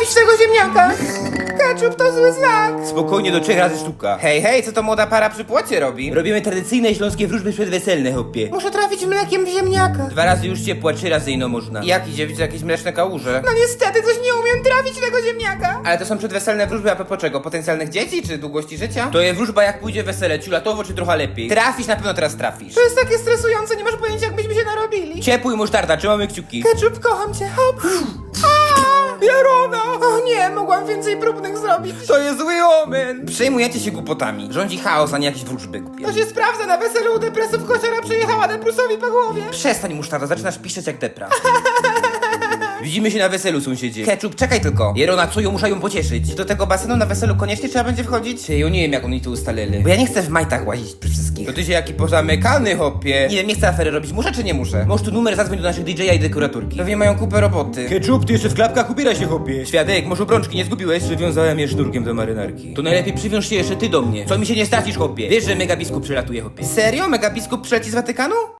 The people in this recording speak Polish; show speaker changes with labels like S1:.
S1: trafić w tego ziemniaka. Ketchup to zły znak.
S2: Spokojnie, do 3 razy sztuka. Hej, hej, co to młoda para przy płocie robi? Robimy tradycyjne śląskie wróżby przedweselne, hopie.
S1: Muszę trafić mlekiem w ziemniaka.
S2: 2 razy już ciepła, 3 razy ino można. I jak idzie, widzę jakieś mleczne kałuże.
S1: No niestety, coś nie umiem trafić w tego ziemniaka.
S2: Ale to są przedweselne wróżby, a propos czego? Potencjalnych dzieci, czy długości życia? To jest wróżba, jak pójdzie wesele, ciulatowo, czy trochę lepiej. Trafisz, na pewno teraz trafisz.
S1: To jest takie stresujące, nie masz pojęcia, jak byśmy się narobili.
S2: Ciepły musztarda, trzymamy kciuki.
S1: Ketchup, kocham cię, hop. A, Jarona! O nie, mogłam więcej próbnych zrobić.
S2: To jest zły omen! Przejmujecie się głupotami. Rządzi chaos, a nie jakieś wróżby głupie.
S1: To się sprawdza, na weselu u depresów kociara przyjechała Deprusowi po głowie.
S2: Przestań musztarda, zaczynasz piszczeć jak depra. Widzimy się na weselu, sąsiedzie. Ketchup, czekaj tylko. Jerona, co ją muszę ją pocieszyć? Do tego basenu na weselu koniecznie trzeba będzie wchodzić? Ja nie wiem, jak oni to ustalili. Bo ja nie chcę w majtach łazić przy wszystkich. To ty się jaki pozamykany, hopie. Nie wiem, nie chcę afery robić. Muszę czy nie muszę? Możesz tu numer zadzwoń do naszych DJ-a i dekuraturki. Pewnie mają kupę roboty. Ketchup, ty jeszcze w klapkach ubieraj się, hopie. Świadek, może obrączki nie zgubiłeś? Przywiązałem je sznurkiem do marynarki. To najlepiej przywiąż się jeszcze ty do mnie. Co mi się nie stracisz, hopie. Wiesz, że megabiskup przylatuje, hopie. Serio? Megabiskup przyleci z Watykanu?